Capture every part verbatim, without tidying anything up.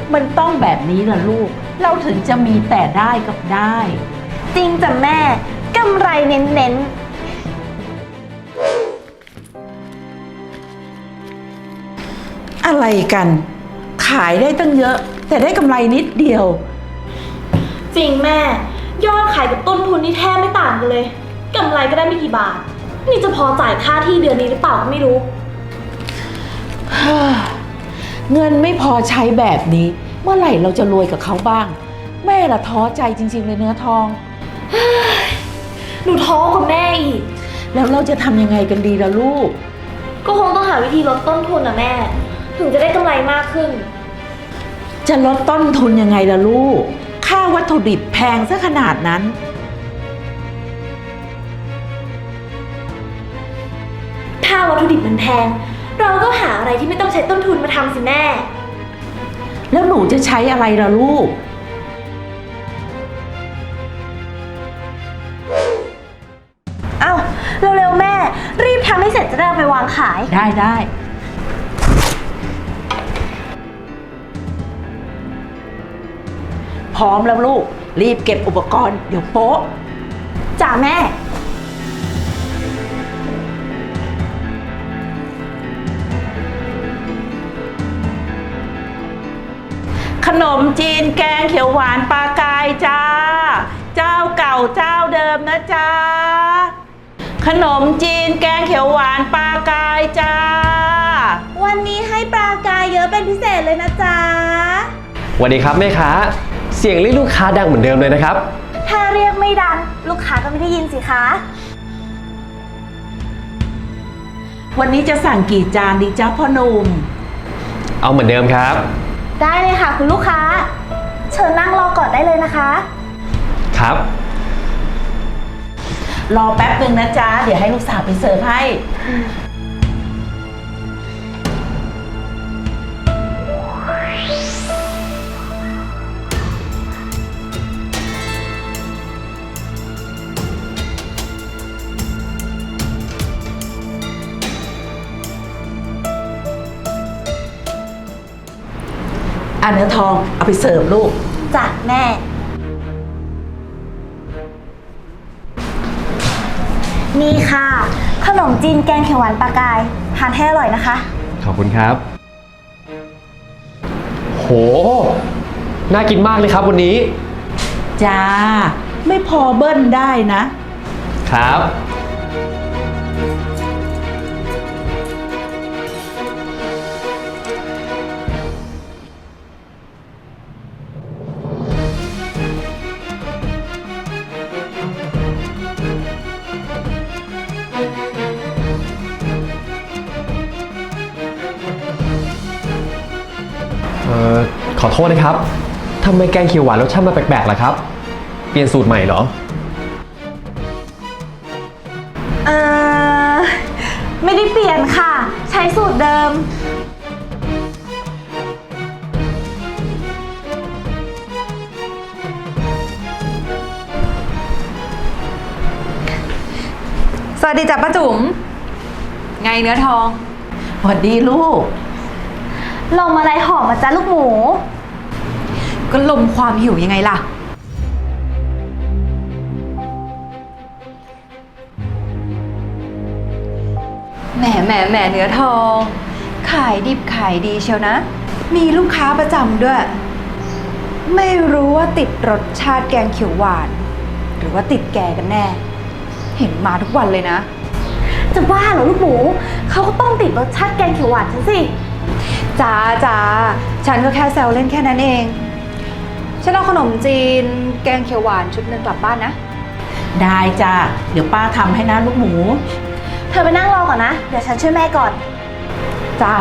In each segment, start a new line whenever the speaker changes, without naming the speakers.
มันต้องแบบนี้ล่ะลูกเราถึงจะมีแต่ได้กับได้
จริงจ้ะแม่กำไรเน้น
ๆอะไรกันขายได้ตั้งเยอะแต่ได้กำไรนิดเดียว
จริงแม่ยอดขายกับต้นทุนนี่แทบไม่ต่างกันเลยกำไรก็ได้ไม่กี่บาทนี่จะพอจ่ายค่าที่เดือนนี้หรือเปล่าก็ไม่รู้
เงินไม่พอใช้แบบนี้เมื่อไหร่เราจะรวยกับเขาบ้างแม่ละท้อใจจริงๆเลยเนื้อทอง
หนูท้อกับแม่อีก
แล้วเราจะทำยังไงกันดีล่ะลูก
ก็คงต้องหาวิธีลดต้นทุนนะแม่ถึงจะได้กำไรมากขึ้น
จะลดต้นทุนยังไงล่ะลูกค่าวัตถุดิบแพงซะขนาดนั้น
ถ้าวัตถุดิบมันแพงเราก็หาอะไรที่ไม่ต้องใช้ต้นทุนมาทำสิแม่
แล้วหนูจะใช้อะไรล่ะลูก
เอ้าเร็วๆแม่รีบทำให้เสร็จจะได้เอาไปวางขาย
ได้ได้พร้อมแล้วลูกรีบเก็บอุปกรณ์เดี๋ยวโป๊ะ
จ้าแม่
ขนมจีนแกงเขียวหวานปลากายจ้าเจ้าเก่าเจ้าเดิมนะจ้าขนมจีนแกงเขียวหวานปลากายจ้า
วันนี้ให้ปลากายเยอะเป็นพิเศษเลยนะจ๊ะ
สวัสดีครับแม่ค้าเสียงเรียกลูกค้าดังเหมือนเดิมเลยนะครับ
ถ้าเรียกไม่ดังลูกค้าก็ไม่ได้ยินสิคะ
วันนี้จะสั่งกี่จานดีจ้าพ่อหนุ่ม
เอาเหมือนเดิมครับ
ได้เลยค่ะคุณลูกค้าเชิญนั่งรอก่อนได้เลยนะคะ
ครับ
รอแป๊บหนึ่งนะจ๊ะเดี๋ยวให้ลูกสาวไปเสิร์ฟให้อ่ะเนื้อทองเอาไปเสิร์ฟลูก
จ้ะแม่นี่ค่ะขนมจีนแกงเขียวหวานปลากายทานให้อร่อยนะคะ
ขอบคุณครับโหน่ากินมากเลยครับวันนี้
จ้าไม่พอเบิ้ลได้นะครับ
เอ่อขอโทษนะครับทำไมแกงเขียวหวานรสชาติมาแปลกๆล่ะครับเปลี่ยนสูตรใหม่เหรอ
เอ่อไม่ได้เปลี่ยนค่ะใช้สูตรเดิม
สวัสดีจ้ะป้าจุ๋มไงเนื้อทอง
สวัสดีลูก
ลมอะไรหอมมาจ้ะลูกหมู
ก็ลมความหิวยังไงล่ะแหมแหมแหมเนื้อทองขายดิบขายดีเชียวนะมีลูกค้าประจำด้วยไม่รู้ว่าติดรสชาติแกงเขียวหวานหรือว่าติดแกกันแน่เห็นมาทุกวันเลยนะ
จะบ้าเหรอลูกหมูเขาก็ต้องติดรสชาติแกงเขียวหวานฉันสิ
จ้าจ้าฉันก็แค่แซวเล่นแค่นั้นเองฉันเอาขนมจีนแกงเขียวหวานชุดหนึ่งกลับบ้านนะ
ได้จ้าเดี๋ยวป้าทำให้นะลูกหมู
เธอไปนั่งรอก่อนนะเดี๋ยวฉันช่วยแม่ก่อน
จ้า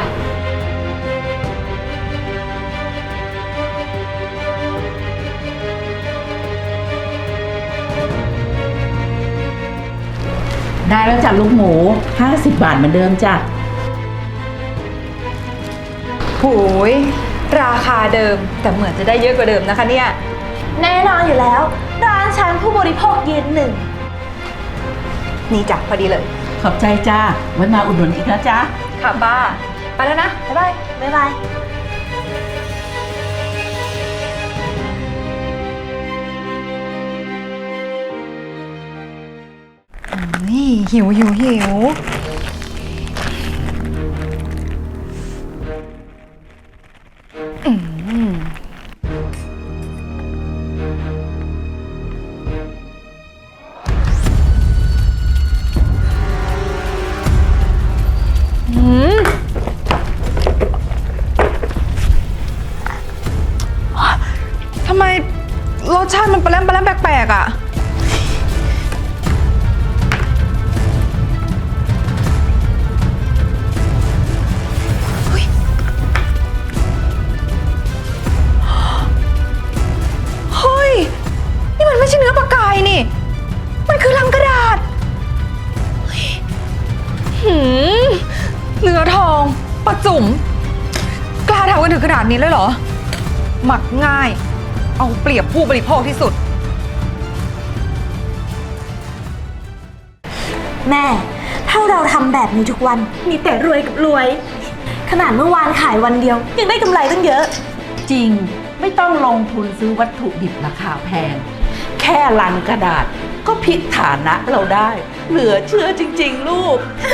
ได้แล้วจ้ะลูกหมูห้าสิบบาทเหมือนเดิมจ้ะ
โหยราคาเดิมแต่เหมือนจะได้เยอะกว่าเดิมนะคะเนี่ย
แน่นอนอยู่แล้วร้านฉันผู้บริโภคยืนหนึ่ง
นี่จ้ะพอดีเลย
ขอบใจจ้าไว้มาอุดหนุนอีกนะจ๊ะ
ค่ะป้าไปแล้วนะบ๊ายบาย
บ๊ายบาย
หิวหิวหิวอืมอืมทำไมรสชาติมันปลาแรมปลาแรมแปลกๆอ่ะ เฮ้ย นี่มันไม่ใช่เนื้อปลากายนี่ มันคือลังกระดาษเฮ้ยหืมเนื้อทองปลาจุ๋มกล้าทำกันถึงขนาดนี้เลยเหรอ หมักง่าย เอาเปรียบผู้บริโภคที่สุด
แม่ ถ้าเราทำแบบนี้ทุกวันมีแต่รวยกับรวย ขนาดเมื่อวานขายวันเดียว ยังได้กำไรตั้งเยอะ
จริงไม่ต้องลงทุนซื้อวัตถุดิบราคาแพง แค่ลังกระดาษก็พลิกฐานะเราได้ เหลือเชื่อจริงๆลูก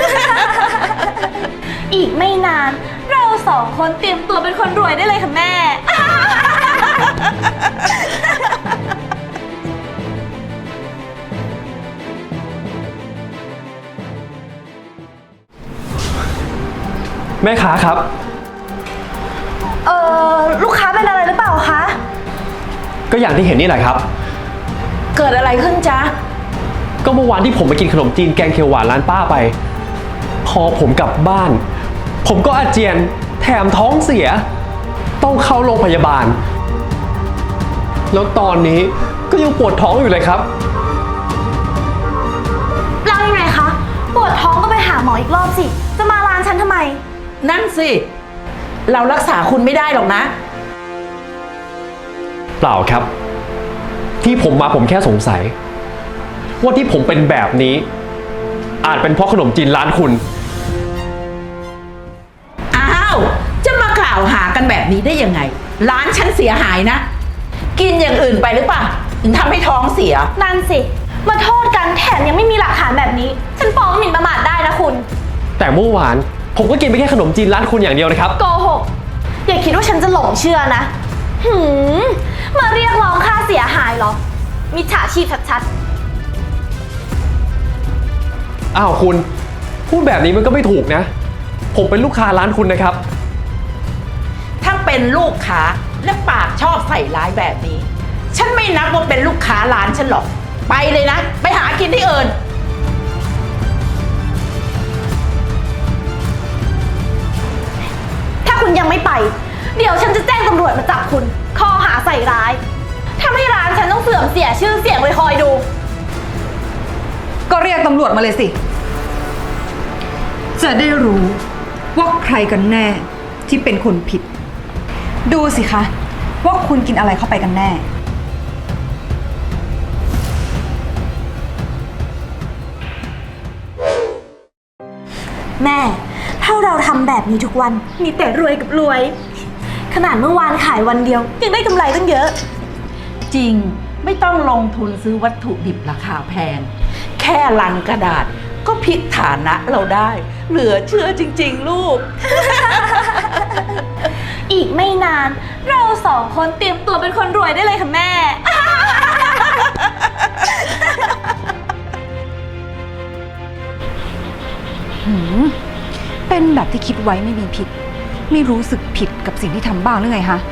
อีกไม่นาน เราสองคนเตรียมตัวเป็นคนรวยได้เลยค่ะแม่
แม่ค้าครับ
เออลูกค้าเป็นอะไรหรือเปล่าคะ
ก็อย่างที่เห็นนี่แหละครับ
เกิดอะไรขึ้นจ๊ะ
ก็เมื่อวานที่ผมไปกินขนมจีนแกงเขียวหวานร้านป้าไป พอผมกลับบ้าน ผมก็อาเจียนแถมท้องเสีย ต้องเข้าโรงพยาบาล แล้วตอนนี้ก็ยังปวดท้องอยู่เลยครับ
แล้วยังไงคะ ปวดท้องก็ไปหาหมออีกรอบสิ จะมาร้านฉันทำไม
นั่นสิ เรารักษาคุณไม่ได้หรอกนะ
เปล่าครับ ที่ผมมาผมแค่สงสัย ว่าที่ผมเป็นแบบนี้ อาจเป็นเพราะขนมจีนร้านคุณ
อ้าว จะมากล่าวหากันแบบนี้ได้ยังไง ร้านฉันเสียหายนะ กินอย่างอื่นไปหรือเปล่าถึงทำให้ท้องเสีย
นั่นสิ มาโทษกันแถมยังไม่มีหลักฐานแบบนี้ ฉันฟ้องหมิ่นประมาทได้นะคุณ
แต่เมื่อวานผมก็กินไปแค่ขนมจีนร้านคุณอย่างเดียวนะครับ
โกหก อย่าคิดว่าฉันจะหลงเชื่อนะ หืม มาเรียกร้องค่าเสียหายเหรอ มิจฉาชีพชัด
อ้าวคุณ พูดแบบนี้มันก็ไม่ถูกนะ ผมเป็นลูกค้าร้านคุณนะครับ
ถ้าเป็นลูกค้าและปากชอบใส่ร้ายแบบนี้ ฉันไม่นับว่าเป็นลูกค้าร้านฉันหรอก ไปเลยนะ ไปหากินที่อื่น
ๆ ถ้าคุณยังไม่ไป เดี๋ยวฉันจะแจ้งตำรวจมาจับคุณ ข้อหาใส่ร้ายทำให้ร้านฉันต้องเสื่อมเสียชื่อเสียงเลยคอยดู
ก็เรียกตำรวจมาเลยสิ จะได้รู้ว่าใครกันแน่ที่เป็นคนผิด ดูสิคะ ว่าคุณกินอะไรเข้าไปกันแน่
แม่ ถ้าเราทำแบบนี้ทุกวันมีแต่รวยกับรวย ขนาดเมื่อวานขายวันเดียว ยังได้กำไรตั้งเยอะ
จริงไม่ต้องลงทุนซื้อวัตถุดิบราคาแพง แค่ลังกระดาษก็พลิกฐานะเราได้ เหลือเชื่อจริงๆลูก
อีกไม่นาน เราสองคนเตรียมตัวเป็นคนรวยได้เลยค่ะแม่
หืม เป็นแบบที่คิดไว้ไม่มีผิด ไม่รู้สึกผิดกับสิ่งที่ทำบ้างหรือไงฮะ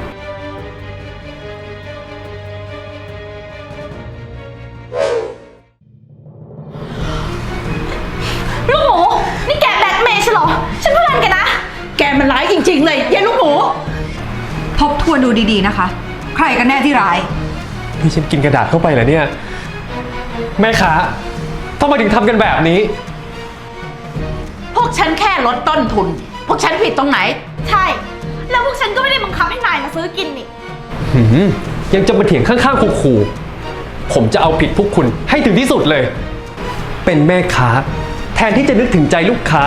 ลูกหมู นี่แกแบล็กเมย์ใช่เหรอ ฉันเพื่อนแกนะ
แกมันร้ายจริงๆเลยยายลูกหมู
ทบทวนดูดีๆนะคะ ใครกันแน่ที่ร้าย
นี่ฉันกินกระดาษเข้าไปเหรอเนี่ย แม่ค้าทำไมถึงทำกันแบบนี้
พวกฉันแค่ลดต้นทุน พวกฉันผิดตรงไหน
ใช่ แล้วพวกฉันก็ไม่ได้บังคับให้นายมาซื้อกินนี่
หืมยังจะมาเถียงข้างๆขู่ๆผมจะเอาผิดพวกคุณให้ถึงที่สุดเลย เป็นแม่ค้า แทนที่จะนึกถึงใจลูกค้า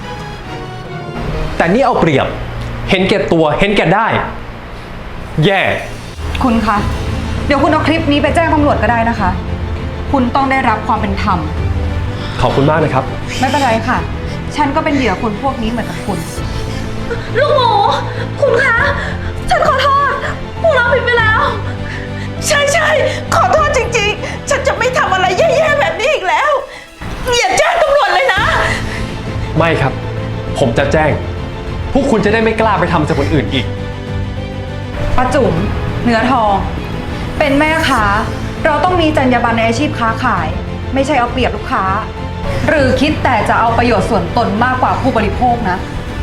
แต่นี่เอาเปรียบ เห็นแก่ตัว เห็นแก่ได้ แย่
คุณคะ เดี๋ยวคุณเอาคลิปนี้ไปแจ้งตำรวจก็ได้นะคะ คุณต้องได้รับความเป็นธรรม
ขอบคุณมากนะครับ
ไม่เป็นไรค่ะ ฉันก็เป็นเหยื่อคนพวกนี้เหมือนกับคุณ
ลูกหมู คุณคะ ฉันขอโทษพวกเราผิดไปแล้ว
ใช่ใช่ขอโทษจริงๆ ฉันจะไม่ทำอะไรแย่ๆแบบนี้อีกแล้ว อย่าแจ้งตำรวจเลยนะ
ไม่ครับ ผมจะแจ้ง พวกคุณจะได้ไม่กล้าไปทำกับคนอื่นอีก
ป้าจุ๋มเนื้อทอง เป็นแม่ค้า เราต้องมีจรรยาบรรณในอาชีพค้าขาย ไม่ใช่เอาเปรียบลูกค้า หรือคิดแต่จะเอาประโยชน์ส่วนตนมากกว่าผู้บริโภคนะ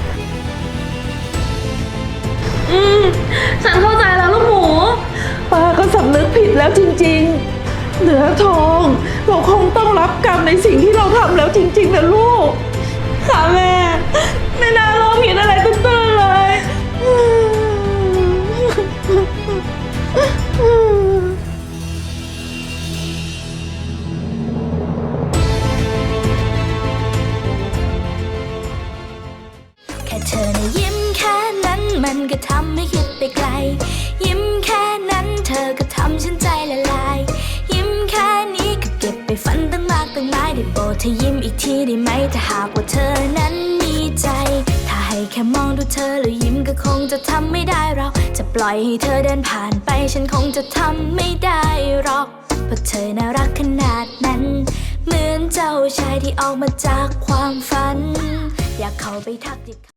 อืม ฉันเข้าใจแล้วลูกหมู
ป้าก็สำนึกผิดแล้วจริงๆ เหนือทอง เราคงต้องรับกรรมในสิ่งที่เราทำแล้วจริงๆนะลูก
ค่ะแม่ ไม่น่าโลภผิดอะไรตื้นๆเลย
แค่เธอนะยิ้มแค่นั้นมันก็ทำให้คิดไปไกล ยิ้มแค่นั้นเธอก็ทำฉันใจละลาย ยิ้มแค่นี้ก็เก็บไปฝันตั้งมากตั้งหลายได้โปรดเธอยิ้มอีกทีได้ไหมถ้าหากว่าเธอนั้นมีใจ ถ้าให้แค่มองดูเธอแล้วยิ้มก็คงจะทำไม่ได้เราจะปล่อยให้เธอเดินผ่านไปฉันคงจะทำไม่ได้หรอกเพราะเธอน่ารักขนาดนั้น เหมือนเจ้าชายที่ออกมาจากความฝัน อยากเข้าไปทักทิ